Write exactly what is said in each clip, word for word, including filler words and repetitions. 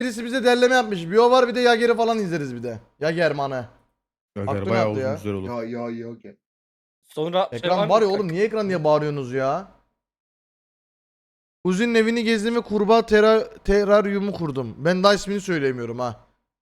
Birisi bize derleme yapmış. Bir o var, bir de Yager'i falan izleriz bir de. Yager manı. Yager Aklına bayağı aldı uzun ya. güzel olur. Ya ya ya. ya. Sonra şey Ekran var var mı? ya oğlum, niye ekran diye bağırıyorsunuz ya? Kuzin'in evini gezdim ve kurbağa tera teraryumu kurdum. Ben daha ismini söyleyemiyorum ha.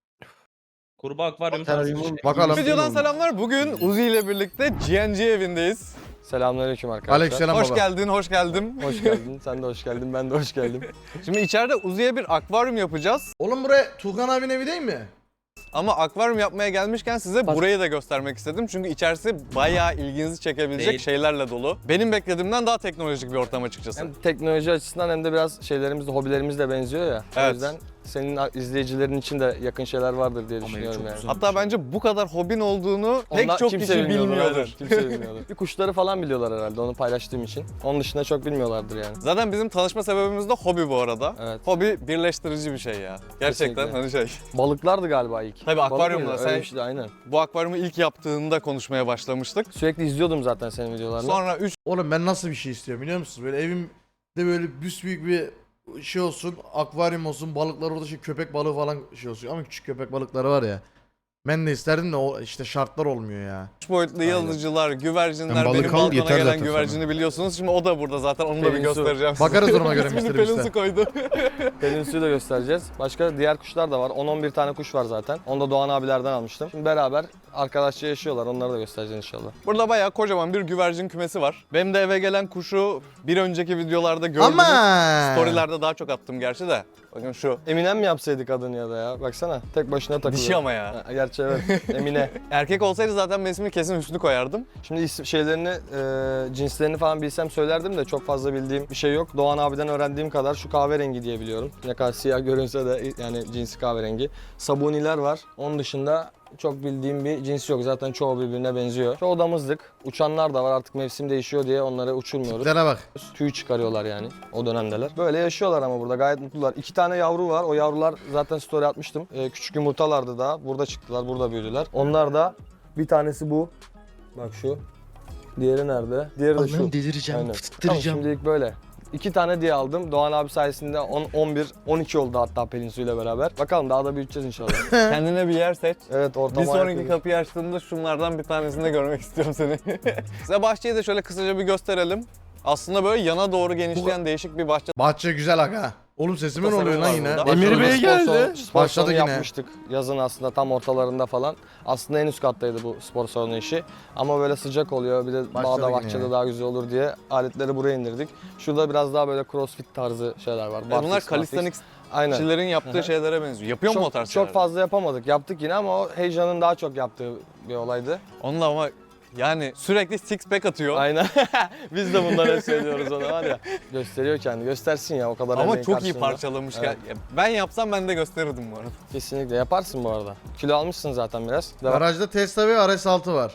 Kurbağa akvaryum tarzı bir şey. Bakalım. Videodan selamlar. Bugün Uzi ile birlikte G N G evindeyiz. Selamünaleyküm arkadaşlar. Aleykümselam Hoş baba. geldin, hoş geldin. Hoş geldin. Sen de hoş geldin. Ben de hoş geldim. Şimdi içeride Uzi'ye bir akvaryum yapacağız. Oğlum buraya Tuğkan abinin evi değil mi? Ama akvaryum yapmaya gelmişken size burayı da göstermek istedim. Çünkü içerisi bayağı ilginizi çekebilecek Değil. şeylerle dolu. Benim beklediğimden daha teknolojik bir ortam açıkçası. Hem teknoloji açısından hem de biraz şeylerimiz de hobilerimiz de benziyor ya. Evet. O yüzden senin izleyicilerin için de yakın şeyler vardır diye düşünüyorum yani. Hatta bence bu kadar hobin olduğunu pek Onlar çok kimse kişi bilmiyordur, bilmiyordur. aynen. Kimse bilmiyordur. Bir kuşları falan biliyorlar herhalde onu paylaştığım için. Onun dışında çok bilmiyorlardır yani. Zaten bizim tanışma sebebimiz de hobi bu arada. Evet. Hobi birleştirici bir şey ya. Gerçekten Kesinlikle. hani şey. Balıklardı galiba ilk. Tabii Balık akvaryumda mıydı? sen- Öyle bir şeydi, aynen. Bu akvaryumu ilk yaptığında konuşmaya başlamıştık. Sürekli izliyordum zaten senin videolarını. Sonra üç Oğlum ben nasıl bir şey istiyorum biliyor musunuz? Böyle evimde böyle büyük bir şey olsun, akvaryum olsun, balıklar orada şey, köpek balığı falan şey olsun. Ama küçük köpek balıkları var ya. Ben de isterdim de o işte şartlar olmuyor ya. boyutlu yıldızcılar, güvercinler, Ben balık benim al, balkona yeter gelen zaten güvercini biliyorsunuz. Şimdi o da burada zaten, onu da bir Pelin su. göstereceğim size. Bakarız duruma göre İsmini mister Pelin Beast'e. su koydu. Pelin suyu da göstereceğiz. Başka diğer kuşlar da var. on on bir tane kuş var zaten. Onu da Doğan abilerden almıştım. Şimdi beraber arkadaşça yaşıyorlar. Onları da göstereceğiz inşallah. Burada bayağı kocaman bir güvercin kümesi var. Benim de eve gelen kuşu bir önceki videolarda gördünüz. Ama Storylerde daha çok attım gerçi de. Bakın şu. Eminem mi yapsaydık adını ya da ya? Baksana tek başına takılıyor. Dişi ama ya. Ha, gerçi evet. Emine. Erkek olsaydı zaten ben ismini kesin Hüsnü koyardım. Şimdi isim, şeylerini, e, cinslerini falan bilsem söylerdim de çok fazla bildiğim bir şey yok. Doğan abiden öğrendiğim kadar şu kahverengi diye biliyorum. Ne kadar siyah görünse de yani cinsi kahverengi. Sabuniler var. Onun dışında çok bildiğim bir cins yok. Zaten çoğu birbirine benziyor. Çoğu damızlık. Uçanlar da var, artık mevsim değişiyor diye onları uçurmuyoruz. Tiplere bak. Tüy çıkarıyorlar yani o dönemdeler. Böyle yaşıyorlar ama burada gayet mutlular. İki tane yavru var. O yavrular zaten story atmıştım. Ee, küçük yumurtalardı daha. Burada çıktılar, burada büyüdüler. Onlar da bir tanesi bu. Bak şu. Diğeri nerede? Diğeri de şu. Allah'ım delireceğim, Aynen. fıttıracağım. Tamam, şimdilik böyle. İki tane diye aldım. Doğan abi sayesinde on, on bir, on iki oldu hatta Pelin Su ile beraber. Bakalım daha da büyüteceğiz inşallah. Kendine bir yer seç. Evet, ortama Bir sonraki yapıyoruz. kapıyı açtığımda şunlardan bir tanesini de görmek istiyorum seni. Size bahçeyi de şöyle kısaca bir gösterelim. Aslında böyle yana doğru genişleyen değişik bir bahçe. Bahçe güzel aga. Oğlum sesime ne Tasarımı oluyor lan var yine? burada. Emir Bey Spor geldi. salonu- Spor Başladı salonu yine. yapmıştık yazın aslında tam ortalarında falan. Aslında en üst kattaydı bu spor salonu işi. Ama böyle sıcak oluyor, bir de Başladı bağda yine bahçede ya. daha güzel olur diye aletleri buraya indirdik. Şurada biraz daha böyle crossfit tarzı şeyler var. E bunlar Barfix, barfix. calisthenicsçilerin Aynen. yaptığı şeylere benziyor. Yapıyor mu o Çok, tarz çok şeyler? fazla yapamadık. Yaptık yine ama o heyecanın daha çok yaptığı bir olaydı. Onunla ama yani sürekli six pack atıyor. Aynen. Biz de bunları söylüyoruz ona var ya. Gösteriyor kendini. Göstersin ya o kadar Ama emeğin çok iyi karşılığında. parçalamış. Evet. Ya ben yapsam ben de gösterirdim bu arada. Kesinlikle yaparsın bu arada. Kilo almışsın zaten biraz. Devam. Garajda Tesla ve R S altı var.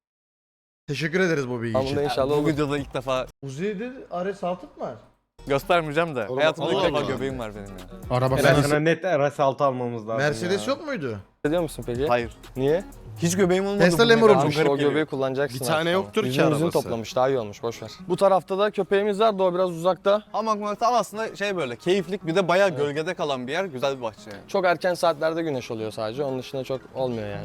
Teşekkür ederiz bu bilgi Tamam, için. da inşallah bu olur. videoda ilk defa Uzi'de R S altı mı var? göstermeyeceğim de. Oğlum, Hayatımda ilk Allah defa Allah. göbeğim var benim ya. Araba Ben sen sana net R S altı almamız lazım Mercedes ya. yok muydu? Ediyor musun peki? Hayır. Niye? Hiç göbeğim olmadı. Tesla bugüne Lemur kadar. olmuş. Çok garip O geliyor. göbeği kullanacaksın. Bir tane artık yoktur ama. ki Yüzünü yüzünü arabası. toplamış, daha iyi olmuş, boş ver. Bu tarafta da köpeğimiz var da o biraz uzakta. Hamak tam aslında şey böyle keyiflik, bir de bayağı gölgede kalan bir yer. Güzel bir bahçe yani. Çok erken saatlerde güneş oluyor sadece. Onun dışında çok olmuyor yani.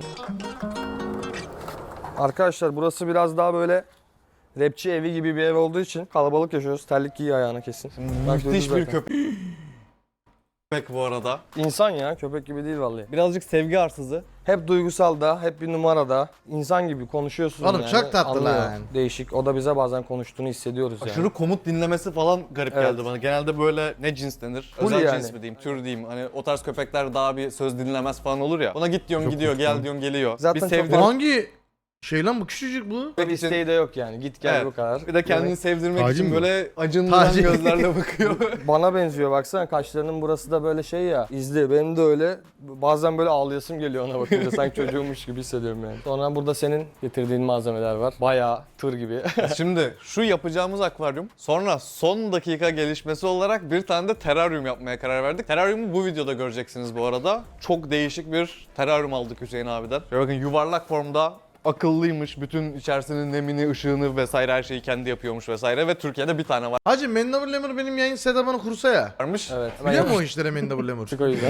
Arkadaşlar burası biraz daha böyle rapçi evi gibi bir ev olduğu için kalabalık yaşıyoruz. Terlik giy ayağına kesin. Bak, Müthiş duydun bir zaten. köpek. Köpek bu arada. İnsan ya, köpek gibi değil vallahi. Birazcık sevgi arsızı. Hep duygusal da, hep bir numarada. İnsan gibi konuşuyorsun Oğlum yani. çok tatlı Anlıyor. lan. Değişik. O da bize bazen konuştuğunu hissediyoruz yani. Aşırı komut dinlemesi falan garip Evet. geldi bana. Genelde böyle ne cins denir? Full Özel yani. cins mi diyeyim, tür diyeyim. Hani o tarz köpekler daha bir söz dinlemez falan olur ya. Ona git diyorsun gidiyor, gel diyorsun geliyor. Zaten bir çok- sevdir. Bu hangi şey lan, bu küçücük bu? Bir isteği de yok yani. Git gel Evet. bu kadar. Bir de kendini Yani sevdirmek Tacı için mı? böyle acındıran Tacı. gözlerle bakıyor. bana benziyor baksana, kaşlarının burası da böyle şey ya, izli. Benim de öyle. Bazen böyle ağlayasım geliyor ona bakınca. Sanki çocuğummuş gibi hissediyorum yani. Sonra burada senin getirdiğin malzemeler var. Bayağı tır gibi. Şimdi şu yapacağımız akvaryum, sonra son dakika gelişmesi olarak bir tane de teraryum yapmaya karar verdik. Teraryumu bu videoda göreceksiniz bu arada. Çok değişik bir teraryum aldık Hüseyin abiden. Şöyle bakın, yuvarlak formda akıllıymış. Bütün içerisinin nemini, ışığını vesaire her şeyi kendi yapıyormuş vesaire ve Türkiye'de bir tane Hacı Mendable Lemur benim yayın setup'ını kursa ya. varmış. Evet. Biliyor musun o işlere Mendable Lemur? Çık o yüzden.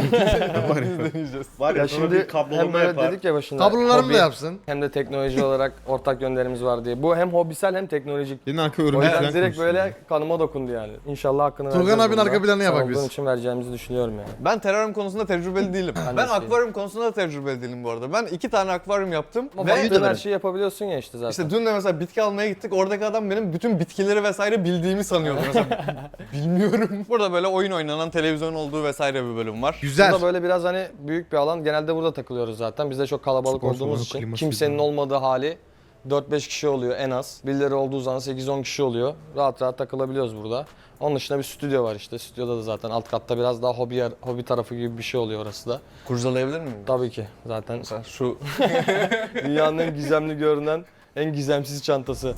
Var ya, Ya sonra şimdi bir kablolama hem böyle yapar. dedik ya başında. Kablolarımı hobi da yapsın. Hem de teknoloji olarak ortak yönlerimiz var diye. Bu hem hobisel hem teknolojik. Senin arka O örümcek yüzden falan direkt konuşuyor. böyle kanıma dokundu yani. İnşallah hakkını Turgan vereceğiz abinin bunda. arka planını Sen yapak olduğun biz. için vereceğimizi düşünüyorum yani. Ben teraryum konusunda tecrübeli değilim. Ben ben de akvaryum konusunda da tecrübeli değilim bu arada. Ben iki tane akvaryum yaptım Ama ve baktığın her şeyi yapabiliyorsun ya işte zaten. işte dün de mesela bitki almaya gittik. Oradaki adam benim bütün bitkileri vesaire bildiğimi sanıyordu mesela. Bilmiyorum. Burada böyle oyun oynanan televizyon olduğu vesaire bir bölüm var. Güzel. Burada böyle biraz hani büyük bir alan. Genelde burada takılıyoruz zaten. Biz de çok kalabalık Spor olduğumuz salonu, için. kliması Kimsenin falan. olmadığı hali dört beş kişi oluyor en az. Birileri olduğu zaman sekiz on kişi oluyor. Rahat rahat takılabiliyoruz burada. Onun dışında bir stüdyo var işte. Stüdyoda da zaten alt katta biraz daha hobi yer- hobi tarafı gibi bir şey oluyor orası da. Kurcalayabilir miyim? Tabii ki zaten Mesela şu dünyanın en gizemli görünen en gizemsiz çantası.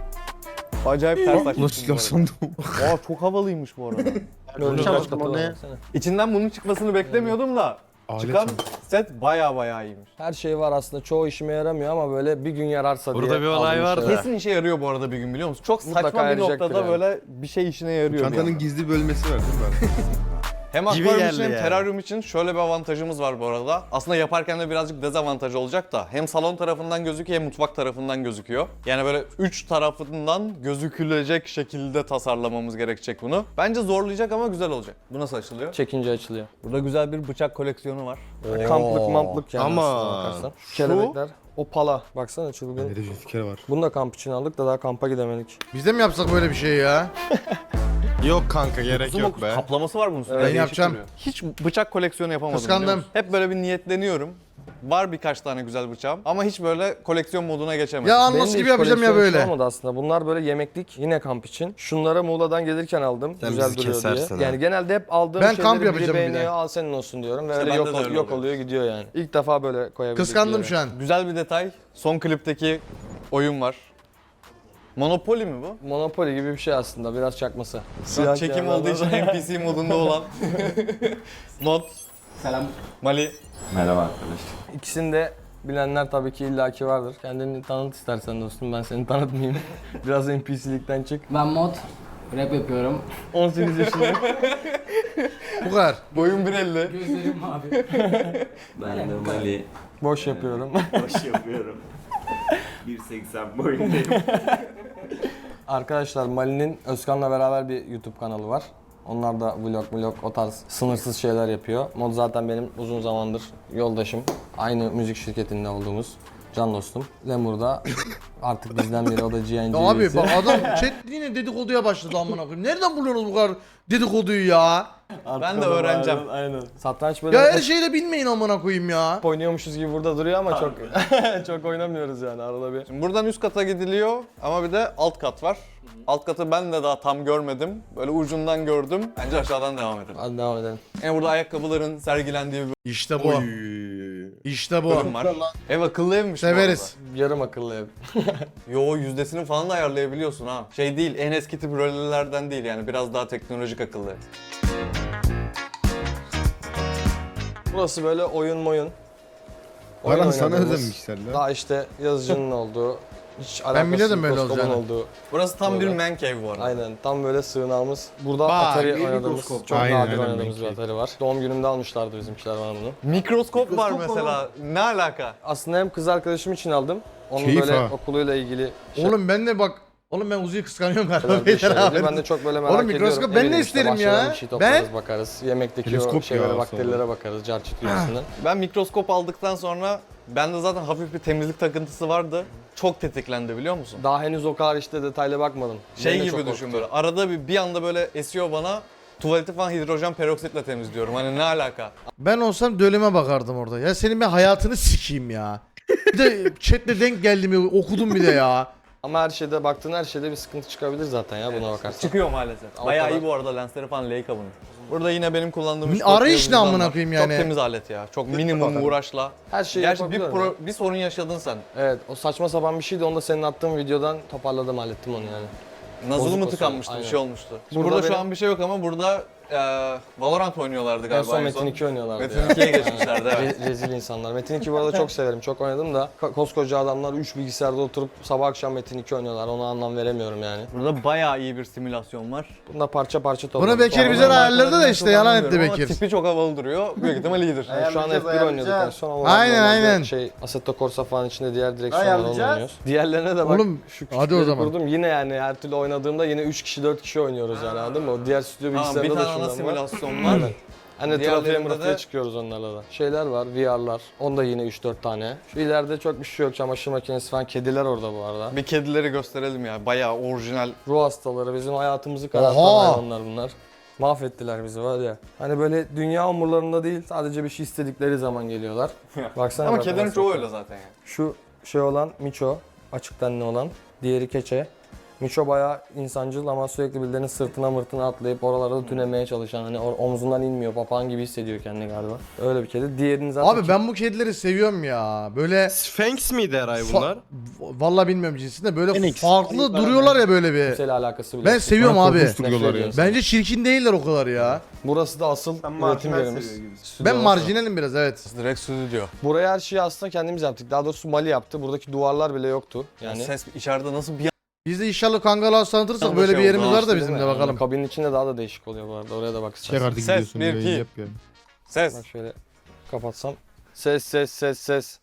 acayip ters açmışım Nasıl silah bu sandım? arada. Aa, çok havalıymış bu arada. Önce Tamam, kaç katı o var ne? baksana. İçinden bunun çıkmasını beklemiyordum da Alet çıkan sandım. set baya baya iyiymiş. Her şey var aslında. Çoğu işime yaramıyor ama böyle bir gün yararsa diye. Burada bir olay aldığım var şeyler. da. Kesin işe yarıyor bu arada bir gün biliyor musun? Çok Mutlaka saçma bir yarayacaktır noktada yani. böyle bir şey işine yarıyor. bir Çantanın anda. gizli bölmesi var değil mi? Hem Gibi akvaryum geldi için hem yani. teraryum için şöyle bir avantajımız var bu arada. Aslında yaparken de birazcık dezavantaj olacak da hem salon tarafından gözüküyor hem mutfak tarafından gözüküyor. Yani böyle üç tarafından gözükülecek şekilde tasarlamamız gerekecek bunu. Bence zorlayacak ama güzel olacak. Bu nasıl açılıyor? Çekince açılıyor. Burada güzel bir bıçak koleksiyonu var. Kamplık mamplık yani Ama aslına bakarsan. Kelebekler. O pala. Baksana çılgın. Ne de fikir var. Bunu da kamp için aldık da daha kampa gidemedik. Biz de mi yapsak böyle bir şey ya? Yok kanka gerek Uzun yok dokuz be. kaplaması var bunun üstünde. Ben Değişik yapacağım. duruyor. Hiç bıçak koleksiyonu yapamadım. Kıskandım. biliyor musun? Hep böyle bir niyetleniyorum. Var birkaç tane güzel bıçağım ama hiç böyle koleksiyon moduna geçemedim. Ya Benim anlas de gibi hiç yapacağım ya koleksiyon böyle. olmadı aslında. Bunlar böyle yemeklik yine kamp için. Şunları Muğla'dan gelirken aldım. Sen Güzel bizi duruyor kesersin diye. ha. Yani genelde hep aldığım Ben şeyleri kamp biri yapacağım bir de. beğeniyor, al senin olsun diyorum ve İşte öyle bende yok, de öyle yok oluyor. oluyor gidiyor yani. İlk defa böyle koyabildik. Kıskandım bir şu yere. an. Güzel bir detay. Son klipteki oyun var. Monopoly mi bu? Monopoly gibi bir şey aslında biraz çakması. Şu an çekim olduğu için N P C modunda olan mod. Selam. Mali. İkisini de bilenler tabii ki illaki vardır. Kendini tanıt istersen dostum, ben seni tanıtmayayım. Biraz N P C'likten çık. Ben mod rap yapıyorum. on sekiz yaşındayım. Bu kadar. Boyun bir elli. Gözlerim mavi. Ben de Mali Boş yapıyorum. boş yapıyorum. bir seksen boyundayım. Arkadaşlar Mali'nin Özkan'la beraber bir YouTube kanalı var. Onlar da vlog vlog o tarz sınırsız şeyler yapıyor. Mod zaten benim uzun zamandır yoldaşım. Aynı müzik şirketinde olduğumuz can dostum. Lemur da artık bizden biri, o da G N G Ya abi üyesi. bak adam chat yine dedikoduya başladı amına koyayım. Nereden buluyorsunuz bu kadar dedikoduyu ya? Ben de öğreneceğim. Aynen. Satranç böyle Ya her hep şeyi de bilmeyin amına koyayım ya. oynuyormuşuz gibi burada duruyor ama çok çok oynamıyoruz yani arada bir. Şimdi buradan üst kata gidiliyor ama bir de alt kat var. Alt katı ben de daha tam görmedim. Böyle ucundan gördüm. Bence aşağıdan devam edelim. Hadi devam edelim. Yani burada ayakkabıların sergilendiği bir İşte bu. İşte bu. bölüm var. Ev akıllı evmiş bu Severiz. Yarım akıllı ev. arada. Yo yüzdesini falan da ayarlayabiliyorsun ha. Şey değil, en eski tip rölelerden değil yani biraz daha teknolojik akıllı ev. Burası böyle oyun moyun. Baran sana oynadığımız, özenmişler lan. daha işte yazıcının olduğu, hiç Ben biliyordum alakasız böyle mikroskopun olacağını. olduğu. Burası tam bir Böyle. man cave bu arada. Aynen tam böyle sığınağımız. Burada Bak, Atari bir oynadığımız, mikroskop. çok Aynen, nadir aynen, oynadığımız bir belki. Atari var. Doğum günümde almışlardı bizimkiler bana bunu. Mikroskop var mesela. Ne alaka? Aslında hem kız arkadaşım için aldım. Onun Keyif böyle ha. okuluyla ilgili şey Oğlum ben de bak. Oğlum ben Uzi'yi kıskanıyorum galiba. şeyler, bir Beyler şeyler abi. diyor. Ben de çok böyle merak Oğlum ediyorum. mikroskop ben Eminim de işte isterim ya. bahçeden bir şey toplarız, Ben- bakarız. Yemekteki Teleskop o şeylere, ya bakterilere bakarız. Carçit üyesinden. Ben mikroskop aldıktan sonra bende zaten hafif bir temizlik takıntısı vardı. Çok tetiklendi biliyor musun? Daha henüz o kadar işte detaylı bakmadım. Şey Beni de gibi çok düşün korktu. böyle. Arada bir, bir anda böyle esiyor bana. Tuvaleti falan hidrojen peroksitle temizliyorum. Hani ne alaka? Ben olsam döleme bakardım orada. Ya senin ben hayatını sikeyim ya. Bir de chatle denk geldim ya, okudum bir de ya. Ama her şeyde baktığın her şeyde bir sıkıntı çıkabilir zaten ya buna bakarsan. Çıkıyor maalesef. O Bayağı kadar. iyi bu arada lensleri falan Leica bunun. Burada yine benim kullandığım üç Arayış dört ne yazıcıdan amına var. koyayım yani? Çok temiz alet ya. Çok minimum uğraşla. Her şeyi Gerçi bir, yapabiliyorum. pro- bir sorun yaşadın sen. Evet o saçma sapan bir şeydi, onu da senin attığın videodan toparladım, hallettim onu yani. Nazılı Bozuk mı o tıkanmıştı, sorun, bir şey olmuştu. Şimdi Burada burada, şu benim- an bir şey yok ama burada e, Valorant oynuyorlardı En galiba. son Metin iki oynuyorlardı Metin ya. ikiye geçmişlerdi, evet. Re- rezil insanlar. Metin iki bu arada çok severim. Çok oynadım da ko- koskoca adamlar üç bilgisayarda oturup sabah akşam Metin iki oynuyorlar. Ona anlam veremiyorum yani. Burada bayağı iyi bir simülasyon var. Bunda parça parça topladım. Bunu Bekir bize de ayarladı da işte yalan etti Ama Bekir. tipi çok havalı duruyor. Büyük ihtimal iyidir. Yani şu an F bir Ayarlayacağız, oynuyorduk en son ama Aynen, normalde aynen. Şey Assetto Corsa falan içinde diğer direksiyonlar onu Ayarlayacağız. oynuyoruz. Diğerlerine de bak. Oğlum, şu hadi o küçükleri zaman. kurdum. Yine yani her türlü oynadığımda yine üç kişi dört kişi oynuyoruz yani anladın mı? O diğer stüdyo Tamam, bir bilgisayarında da tane ana şundan var. simülasyon var. Hani trafiğe Diğerlerinde mırafiğe de- çıkıyoruz onlarla da. Şeyler var, V R'lar. Onda yine üç dört tane. Şu ileride çok bir şey yok. Çamaşır makinesi falan. Kediler orada bu arada. Bir kedileri gösterelim ya. Bayağı orijinal. Ruh hastaları. Bizim hayatımızı karartan Oha! hayvanlar bunlar. Mahvettiler bizi var ya. Hani böyle dünya umurlarında değil. Sadece bir şey istedikleri zaman geliyorlar. Baksana. Ama bak kedilerin nasıl. çoğu öyle zaten yani. Şu şey olan Miço. Açık tenli olan. Diğeri Keçe. Miço bayağı insancıl ama sürekli birilerinin sırtına mırtına atlayıp oralarda tünemeye çalışan, hani or- omzundan inmiyor, papağan gibi hissediyor kendini galiba. Öyle bir kedi. Diğerini zaten Abi ben bu kedileri seviyorum ya. Böyle Sphinx miydi Eray Fa- bunlar? vallahi bilmiyorum cinsinde böyle Phoenix. farklı duruyorlar ya böyle bir. kimseyle alakası bile Ben yok. seviyorum Bana abi. korkunç duruyorlar ya. ediyorsun. Bence çirkin değiller o kadar ya. Burası da asıl Sen üretim marjinal yerimiz. seviyor gibisin. Stüdyo Ben orası. marjinalim biraz evet. Direkt stüdyo. Buraya her şeyi aslında kendimiz yaptık. Daha doğrusu Mali yaptı. Buradaki duvarlar bile yoktu. Yani Yani ses içeride nasıl bir Biz de inşallah kangalı tanıtırsak Tam da böyle şey bir yerimiz oldu, var da Değil bizim mi? de Yani bakalım. kabinin içinde daha da değişik oluyor bu arada. Oraya da bak Çek istersen. artık Ses, gidiyorsun bir, yayın iki. yap yani. ses. Bak şöyle kapatsam. Ses ses ses ses.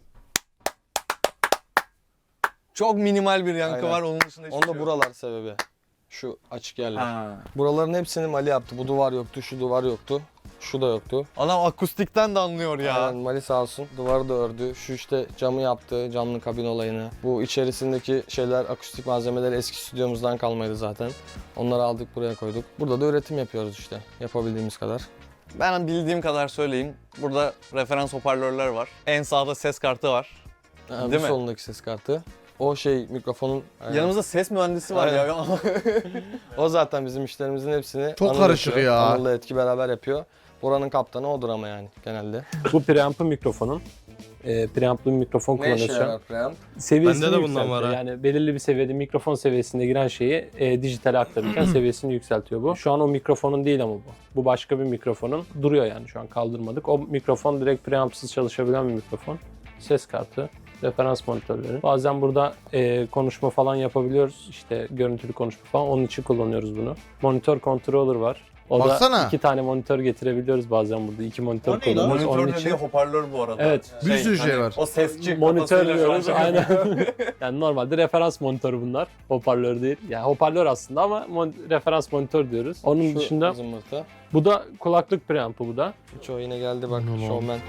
Çok minimal bir yankı Aynen. var, onun dışında hiçbir Onda şey yok. buralar sebebi. Şu açık yerler. Ha. Buraların hepsini Mali yaptı. Bu duvar yoktu, şu duvar yoktu. Şu da yoktu. Adam akustikten de anlıyor ya. Aynen, Mali sağ olsun. Duvarı da ördü. Şu işte camı yaptı, camlı kabin olayını. Bu içerisindeki şeyler, akustik malzemeler eski stüdyomuzdan kalmaydı zaten. Onları aldık buraya koyduk. Burada da üretim yapıyoruz işte. Yapabildiğimiz kadar. Ben bildiğim kadar söyleyeyim. Burada referans hoparlörler var. En sağda ses kartı var. Yani Değil bu mi? solundaki ses kartı. O şey mikrofonun... Yanımızda ses mühendisi var Aynen. ya. O zaten bizim işlerimizin hepsini Çok Anıl karışık yapıyor. ya. Anıl'la Etki beraber yapıyor. Buranın kaptanı odur ama yani genelde. Bu preamp'ın mikrofonun. E, preamp'lı bir mikrofon Ne işe kullanıyoruz şu an. yarar preamp? Seviyesini Bende de bundan yükseltiyor. var ha. Yani belirli bir seviyede mikrofon seviyesinde giren şeyi e, dijitale aktarırken seviyesini yükseltiyor bu. Şu an o mikrofonun değil ama bu. Bu başka bir mikrofonun. Duruyor yani şu an kaldırmadık. O mikrofon direkt preamp'sız çalışabilen bir mikrofon. Ses kartı. Referans monitörleri. Bazen burada e, konuşma falan yapabiliyoruz. İşte görüntülü konuşma falan. Onun için kullanıyoruz bunu. Monitör controller var. O Baksana. da iki tane monitör getirebiliyoruz bazen burada. İki monitör O ne lan? kullanıyoruz. Onun Monitör için dediği hoparlör bu arada. Evet. Bir sürü şey var. O sesçi monitör kafasıyla şu an diyoruz. şey Aynen. yapıyor. Yani normalde referans monitörü bunlar. Hoparlör değil. Yani hoparlör aslında ama mon- referans monitör diyoruz. Onun Şu dışında zımbırtı. bu da kulaklık preampı bu da. Çoğu yine geldi bak Aman showman.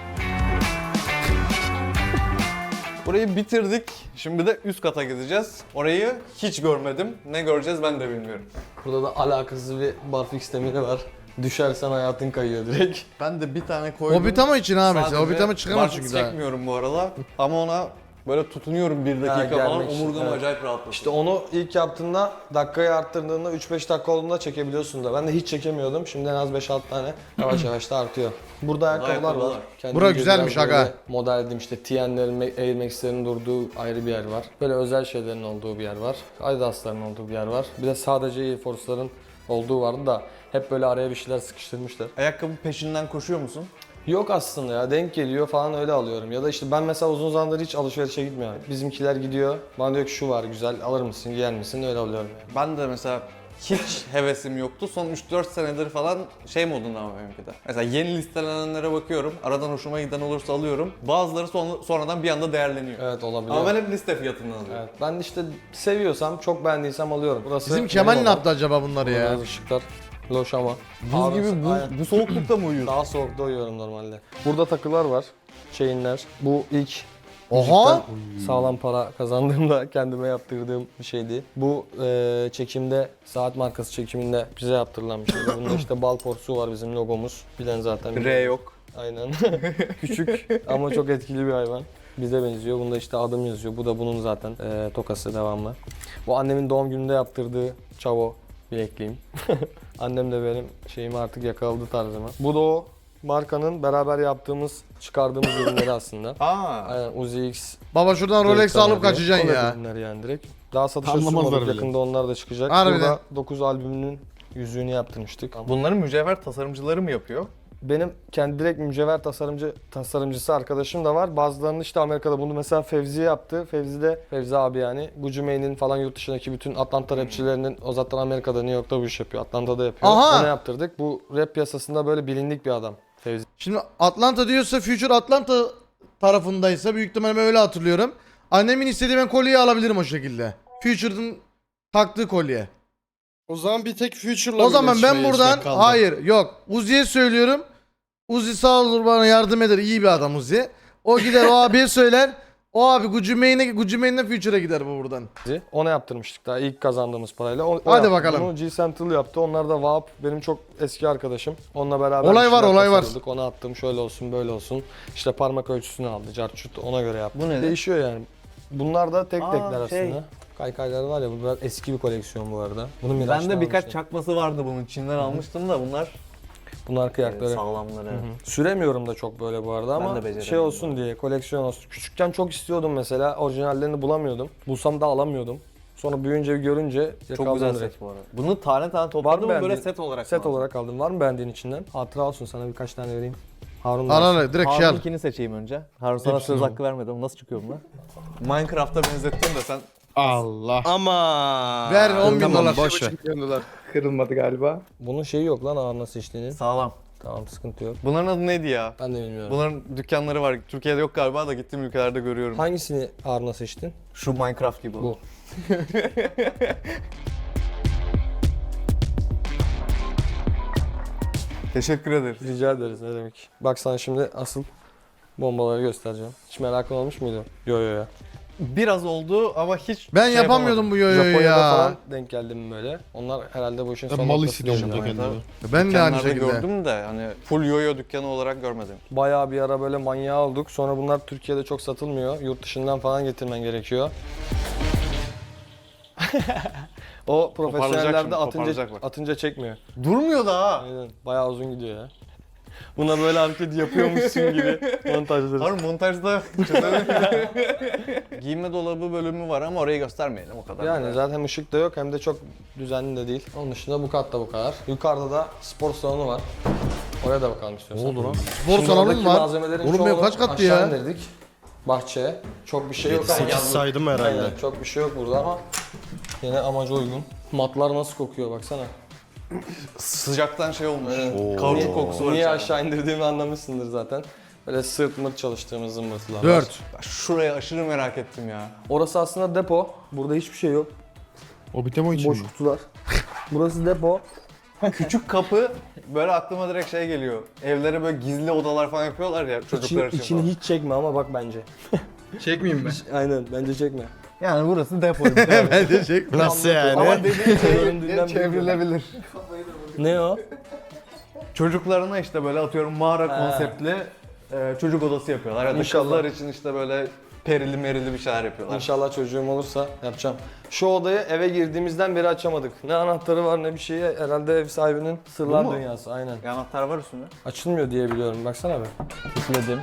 Burayı bitirdik. Şimdi de üst kata gideceğiz. Orayı hiç görmedim. Ne göreceğiz ben de bilmiyorum. Burada da alakasız bir barfix demiri var. Düşersen hayatın kayıyor direkt. Ben de bir tane koydum. Hobbitama için ha mesela. Sadece Hobbitama çıkamaz barfiks çünkü daha. çekmiyorum bu arada. Ama ona böyle tutunuyorum bir dakika Ha, falan. gelmek için, Omurgam evet. acayip rahatlasın. İşte onu ilk yaptığında dakikayı arttırdığında üç beş dakika olduğunda çekebiliyorsun da. Ben de hiç çekemiyordum. Şimdi en az beş altı tane yavaş yavaş da artıyor. Burada ayakkabılar ayakkabılar. var. Kendimce Bura güzelmiş biraz böyle aga. Model edeyim işte T N'lerin, Air Max'lerin durduğu ayrı bir yer var. Böyle özel şeylerin olduğu bir yer var. Adidas'ların olduğu bir yer var. Bir de sadece Air Force'ların olduğu vardı da hep böyle araya bir şeyler sıkıştırmışlar. Ayakkabı peşinden koşuyor musun? Yok aslında ya, denk geliyor falan öyle alıyorum. Ya da işte ben mesela uzun zamandır hiç alışverişe gitmiyorum. Bizimkiler gidiyor, bana diyor ki şu var güzel, alır mısın, giyer misin, öyle alıyorum yani. Ben de mesela hiç hevesim yoktu. Son üç dört senedir falan şey modunda ama benimki de. Mesela yeni listelenenlere bakıyorum. Aradan hoşuma giden olursa alıyorum. Bazıları son, sonradan bir anda değerleniyor. Evet olabiliyor. Ama ben hep liste fiyatından alıyorum. Evet, ben işte seviyorsam, çok beğendiysem alıyorum. Burası Bizim Kemal benim ne odam. yaptı acaba bunları Burada ya? biraz ışıklar loş ama. Buz gibi Aynen. bu, bu soğuklukta mı uyuyorsun? Daha soğukta uyuyorum normalde. Burada takılar var, chainler. Bu ilk Oha! müzikten sağlam para kazandığımda kendime yaptırdığım bir şeydi. Bu e, çekimde, saat markası çekiminde bize yaptırılan bir şeydi. Bunda işte bal porsuğu var, bizim logomuz. Bilen zaten biliyor. R yok. Aynen. Küçük ama çok etkili bir hayvan. Bize benziyor. Bunda işte adım yazıyor. Bu da bunun zaten e, tokası devamlı. Bu annemin doğum gününde yaptırdığı çavo bilekliğim. Annem de benim şeyimi artık yakaladı tarzıma. Bu da o markanın beraber yaptığımız, çıkardığımız ürünleri aslında. Aa. Aynen Uzi X. Baba şuradan Rolex alıp diyor. kaçacaksın Collab ya. ürünleri yani direkt. Daha satışa Anlamazlar sunmadık. bile. Yakında onlar da çıkacak. Harbiden. Burada dokuz albümünün Yüzüğünü yaptırmıştık. Bunların mücevher tasarımcıları mı yapıyor? Benim kendi direkt mücevher tasarımcı tasarımcısı arkadaşım da var. Bazılarını işte Amerika'da bunu mesela Fevzi yaptı. Fevzi de Fevzi abi yani Gucci Mane'in falan yurt dışındaki bütün Atlanta rapçilerinin o zaten Amerika'da New York'ta bu iş yapıyor. Atlanta'da yapıyor. Aha! Onu yaptırdık. Bu rap piyasasında böyle bilindik bir adam Fevzi. Şimdi Atlanta diyorsa Future Atlanta tarafındaysa büyük ihtimalle ben öyle hatırlıyorum. Annemin istediği ben kolyeyi alabilirim o şekilde. Future'ın taktığı kolye. O zaman bir tek Future'la O zaman ben birleşmeye buradan işte kaldı. hayır yok Uzi'ye söylüyorum. Uzi sağ olur bana yardım eder. İyi bir adam Uzi. O gider o abiye söyler. O abi Gucci Mane'e Gucci Mane'den Future'a gider bu buradan. Ona yaptırmıştık daha ilk kazandığımız parayla. O, o Hadi yaptı. bakalım. Bunu G Central yaptı. Onlar da Vahap benim çok eski arkadaşım. Onunla beraber Olay bir var, şeyler olay var. tasarladık. Ona attım şöyle olsun böyle olsun. İşte parmak ölçüsünü aldı. Carçut ona göre yaptı. Bu ne? Değişiyor yani. Bunlar da tek Aa, tekler şey. aslında. Kaykaylar var ya bu biraz eski bir koleksiyon bu arada. Bunu Miraç'tan Bende birkaç almıştım. çakması vardı bunun. Çin'den almıştım da bunlar Bunlar kıyakları. sağlamları. Hı hı. Süremiyorum da çok böyle bu arada Ben de ama beceremiyorum şey olsun diye koleksiyon olsun. Küçükken çok istiyordum mesela orijinallerini bulamıyordum. Bulsam da alamıyordum. Sonra büyüyünce görünce Çok yakaladım güzel direkt. set bu arada. Bunu tane tane Var topladım mı mı böyle beğendiğin- set olarak Set mı? olarak aldım. Var mı beğendiğin içinden? Hatıra olsun sana birkaç tane vereyim. Harun da Al alsın. al direkt şey al. Harun'unkini seçeyim önce. Harun sana Hepsini söz al. hakkı vermedim. Nasıl çıkıyor bunlar? Minecraft'a benzettim de sen Allah. Ama. Ver on bin dolar. Boş ver. Kırılmadı galiba. Bunun şeyi yok lan ağır nasıl içtiğinin. sağlam. Tamam sıkıntı yok. Bunların adı neydi ya? Ben de bilmiyorum. Bunların dükkanları var. Türkiye'de yok galiba da gittiğim ülkelerde görüyorum. Hangisini ağır nasıl içtin? Şu Minecraft gibi. Bu. Teşekkür ederiz. Rica ederiz ne demek. Bak sana şimdi asıl bombaları göstereceğim. Hiç merakın olmuş muydu? Yo yo yo. Biraz oldu ama hiç Ben şey yapamıyordum bu yoyoyu Japonya'da ya. falan denk geldim böyle. Onlar herhalde bu işin son Mal noktası hissediyorum diyorum burada yani. kendimi. Ben de aynı Dükkanlarda şekilde. gördüm de hani full yoyo dükkanı olarak görmedim. Bayağı bir ara böyle manyağı olduk. Sonra bunlar Türkiye'de çok satılmıyor. Yurt dışından falan getirmen gerekiyor. O profesyonellerde şimdi, atınca, toparlayacak bak. atınca çekmiyor. Durmuyor da ha. Aynen. Bayağı uzun gidiyor ya. Buna böyle hareket yapıyormuşsun gibi montajları. Harun montajda giyinme dolabı bölümü var ama orayı göstermeyelim o kadar. Yani zaten hem ışık da yok hem de çok düzenli de değil. Onun dışında bu katta bu kadar. Yukarıda da spor salonu var. Oraya da bakalım istiyorsan. Ne oldu lan? Spor Şimdi salonu oradaki mu var? malzemelerin Oğlum benim çoğunu kaç kattı aşağı ya? indirdik. Bahçeye. Çok bir şey yok. sekiz saydım herhalde. Aynen, çok bir şey yok burada ama yine amaca uygun. Matlar nasıl kokuyor baksana. Sıcaktan şey olmuş. Evet. Kauçuk kokusu var. Niye içeride. aşağı indirdiğimi anlamışsındır zaten. Böyle sırt mırt çalıştığımız zımbırtılar var. dört. Ben şurayı aşırı merak ettim ya. Orası aslında depo. Burada hiçbir şey yok. O bitemo için Boş mi? kutular. Burası depo. Küçük kapı böyle aklıma direkt şey geliyor. Evlere böyle gizli odalar falan yapıyorlar ya çocuklar İçini, için içini falan. hiç çekme ama bak bence. Çekmeyeyim mi? Aynen bence çekme. Yani burası depo. Bence çek. Nasıl yani? Ama dediğin şey Göründüğünden çevrilebilir. Ne o? Çocuklarına işte böyle atıyorum mağara Ha. konseptli e, çocuk odası yapıyorlar. Ya da İnşallah. kızlar için işte böyle perili merili bir şeyler yapıyorlar. İnşallah çocuğum olursa yapacağım. Şu odayı eve girdiğimizden beri açamadık. Ne anahtarı var ne bir şeyi. Herhalde ev sahibinin sırlar Bu mu? dünyası. Aynen. Bir anahtar var üstünde. Açılmıyor diye biliyorum. Baksana be. Tıkladım.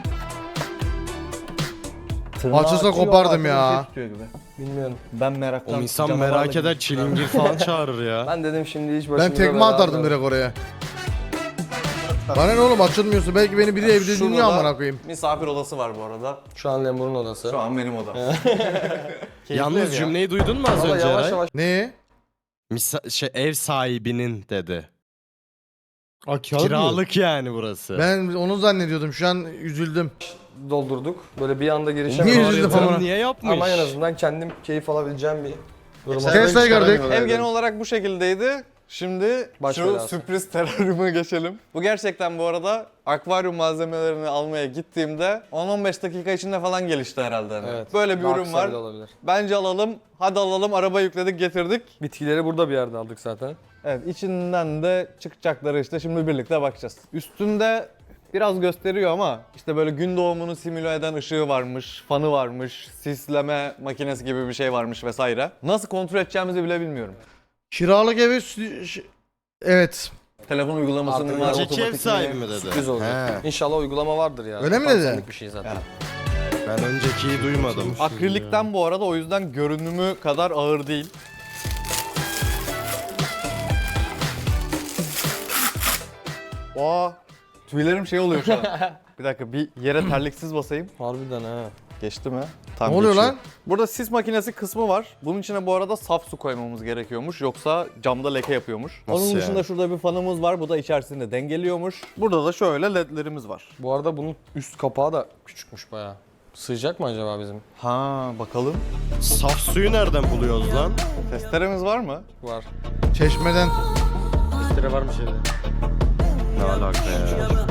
Açılsa kopardım ya. Bilmiyorum. Ben meraktan. O insan canavarla merak eder gibi- çilingir falan çağırır ya. Ben dedim şimdi hiç başımıza Ben tekme bela atardım almayalım. direkt oraya. Bana ne oğlum açılmıyorsa belki beni biri evde Şurada dinliyor da amına koyayım. Misafir odası var bu arada. Şu an Lemur'un odası. Şu an benim odam. Yalnız cümleyi duydun mu az Ama önce yavaş Eray? yavaş Ne? Misa- şey, ev sahibinin dedi. Aa, Kiralık yani burası. Ben onu zannediyordum. Şu an üzüldüm. doldurduk. Böyle bir anda Niye girişemedik. üzüldün Yatırım amına? niye yapmış? Ama en azından kendim keyif alabileceğim bir duruma. Tesla'yı gördük. Ev genel olarak bu şekildeydi. Şimdi Baş şu belası. sürpriz teraryuma geçelim. Bu gerçekten bu arada akvaryum malzemelerini almaya gittiğimde on on beş dakika içinde falan gelişti herhalde. hani. Evet. Böyle bir Daha ürün kısa var. bile olabilir. Bence alalım. Hadi alalım. Araba yükledik, getirdik. Bitkileri burada bir yerde aldık zaten. Evet, içinden de çıkacakları işte şimdi birlikte bakacağız. Üstünde biraz gösteriyor ama işte böyle gün doğumunu simüle eden ışığı varmış, fanı varmış, sisleme makinesi gibi bir şey varmış vesaire. Nasıl kontrol edeceğimizi bile bilmiyorum. Kiralık evi sü- ş- evet. Telefon uygulamasının Artık var, Önceki ev otomatik sahibi mi? mi dedi? Sürpriz olacak. He. İnşallah uygulama vardır ya. Öyle mi Tam dedi? senlik bir şey zaten. Ya. Ben öncekiyi duymadım. Akrilikten bu arada o yüzden görünümü kadar ağır değil. Aa, tüylerim şey oluyor şu an. Bir dakika bir yere terliksiz basayım. Harbiden ha. Geçti mi? Tam Ne oluyor geçiyor. lan? Burada sis makinesi kısmı var. Bunun içine bu arada saf su koymamız gerekiyormuş. Yoksa camda leke yapıyormuş. Nasıl Onun yani? dışında şurada bir fanımız var. Bu da içerisinde dengeliyormuş. Burada da şöyle ledlerimiz var. Bu arada bunun üst kapağı da küçükmüş bayağı. Sığacak mı acaba bizim? Ha bakalım. Saf suyu nereden buluyoruz lan? Testeremiz var mı? Var. Çeşmeden. Testere var mı şeyde? Ne alaka ya?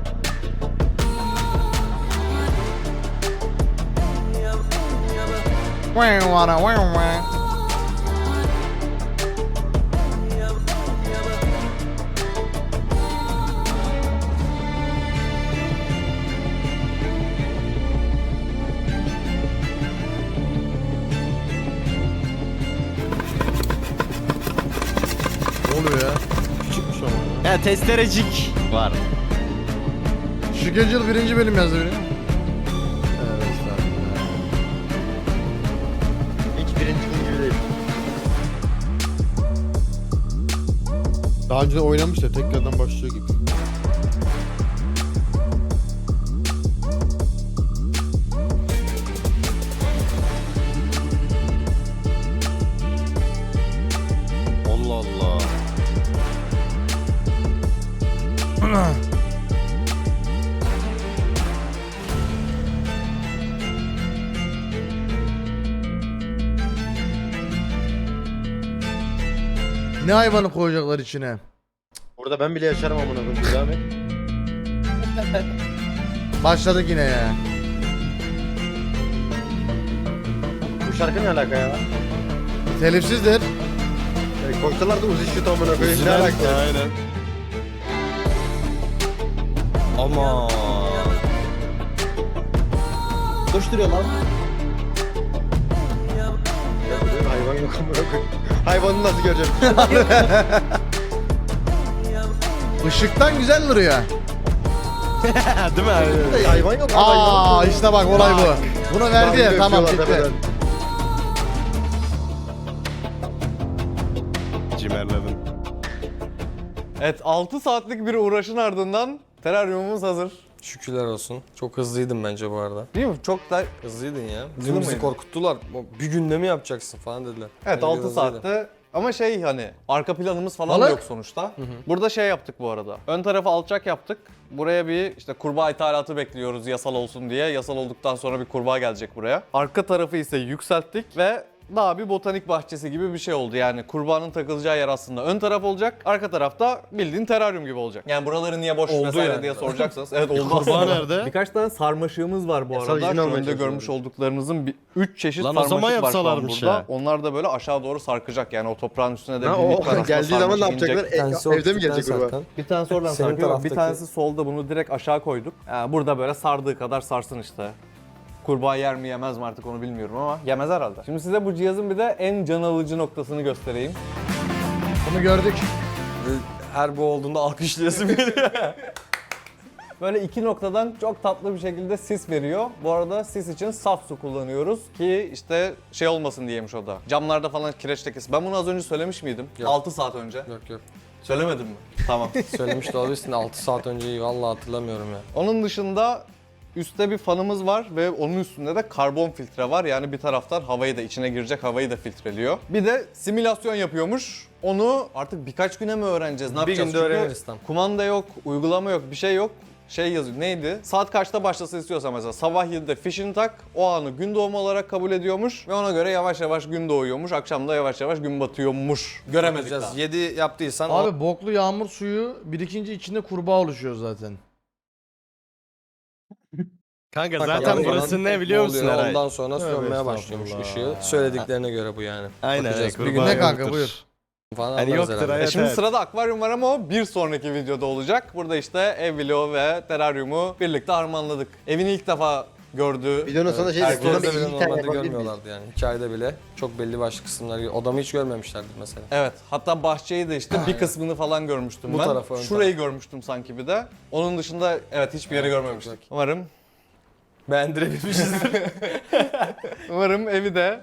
Ne oluyor ya? Küçükmüş ama. Ya testerecik var. Schedule birinci bölüm yazdı biri. Evet, estağfurullah. Hiç birinci gibi değil. Daha önce de oynamış da tekrardan başlıyor gibi. Allah Allah. Ne hayvanı koyacaklar içine? Burada ben bile yaşarım amına koyayım. Devam et. Başladık yine ya. Bu şarkı ne alaka ya? Telifsizdir. E, koysalar da Uzi şut amına koyayım. Ne alaka? Aynen. Ama Koşturuyor lan. Ya burada hayvan yok amına koyayım. Hayvanı nasıl göreceğim? Işıktan güzel duruyor. değil mi abi? Burada hayvan yok. Aa işte bak olay bu. Bunu verdi ya tamam bitti. Cimerledim. Evet altı saatlik bir uğraşın ardından teraryumumuz hazır. Şükürler olsun. Çok hızlıydın bence bu arada. Değil mi? Çok da Hızlıydın ya. Hızlı Dün bizi mıydı? korkuttular. Bir günde mi yapacaksın falan dediler. Evet Bence altı hızlıydı. saatte ama şey hani arka planımız falan da Balık. yok sonuçta. Burada şey yaptık bu arada. Ön tarafı alçak yaptık. Buraya bir işte kurbağa ithalatı bekliyoruz yasal olsun diye. Yasal olduktan sonra bir kurbağa gelecek buraya. Arka tarafı ise yükselttik ve daha bir botanik bahçesi gibi bir şey oldu. Yani kurbağanın takılacağı yer aslında ön taraf olacak. Arka tarafta bildiğin teraryum gibi olacak. Yani buraları niye boş Oldu vesaire yani. diye soracaksanız. Evet oldu Kurbağa aslında. nerede? Birkaç tane sarmaşığımız var bu Yasal arada. izin Şu almaya önde görmüş çalışıyorum. olduklarınızın bir üç çeşit Lan o zaman sarmaşık var şu an yapsalarmış burada. ya. Onlar da böyle aşağı doğru sarkacak. Yani o toprağın üstüne de Ha, bir o miktar aslında geldiği zaman ne sarmaşık inecek. yapacaklar? Bir tanesi E, evde mi ortadan gelecek kurbağa? zaten. Bir tanesi oradan Senin sarkıyor. Bir taraftaki- tanesi solda, bunu direkt aşağı koyduk. Yani burada böyle sardığı kadar sarsın işte. Kurbağa yer mi yemez mi artık onu bilmiyorum ama yemez herhalde. Şimdi size bu cihazın bir de en can alıcı noktasını göstereyim. Bunu gördük. Her bu olduğunda alkışlayasım geliyor. Böyle iki noktadan çok tatlı bir şekilde sis veriyor. Bu arada sis için saf su kullanıyoruz ki işte şey olmasın diyemiş o da. Camlarda falan kireç lekesi. Ben bunu az önce söylemiş miydim? Yok. altı saat önce. Yok yok. Söylemedim mi? Tamam. Söylemiş de olabilirsin. altı saat önceyi vallahi hatırlamıyorum ya. Onun dışında üstte bir fanımız var ve onun üstünde de karbon filtre var. Yani bir taraftan havayı da içine girecek havayı da filtreliyor. Bir de simülasyon yapıyormuş. Onu artık birkaç güne mi öğreneceğiz? Ne Bir yapacağız? günde Çünkü öğreniriz tam. kumanda yok, uygulama yok, bir şey yok. Şey yazıyor, neydi? Saat kaçta başlasın istiyorsa mesela sabah yedide fişini tak, o anı gün doğumu olarak kabul ediyormuş ve ona göre yavaş yavaş gün doğuyormuş, akşam da yavaş yavaş gün batıyormuş. Göremedik daha. Bakacağız. yedi yaptıysan o... Abi boklu yağmur suyu birikince içinde kurbağa oluşuyor zaten. Kanka Bakalım zaten ondan burası ne biliyor musun oluyor. Eray? Ondan sonra Tövbe sönmeye başlıyormuş estağfurullah. ışığı. Söylediklerine göre bu yani. Aynen. Bakacağız. evet, Bir gün kurbağa Ne kanka, yoktur. buyur. Falan Hani anlarız yoktur herhalde. hayat. E şimdi evet. sırada akvaryum var ama o bir sonraki videoda olacak. Burada işte ev vlogu ve teraryumu birlikte harmanladık. Evini ilk defa gördü. Videonun sonunda şey Herkes dedik. Buna Herkes bir de iyi bile tane normalde yapabilir miyiz? görmüyorlardı yani. Hikayede bile çok belli başlı kısımlar. Odamı hiç görmemişlerdi mesela. Evet, hatta bahçeyi de işte bir kısmını falan görmüştüm Bu ben. tarafı, ön Şurayı görmüştüm sanki bir de. Onun dışında evet hiçbir yeri görmemiştik. Umarım Beğendirebilmişizdir. umarım evi de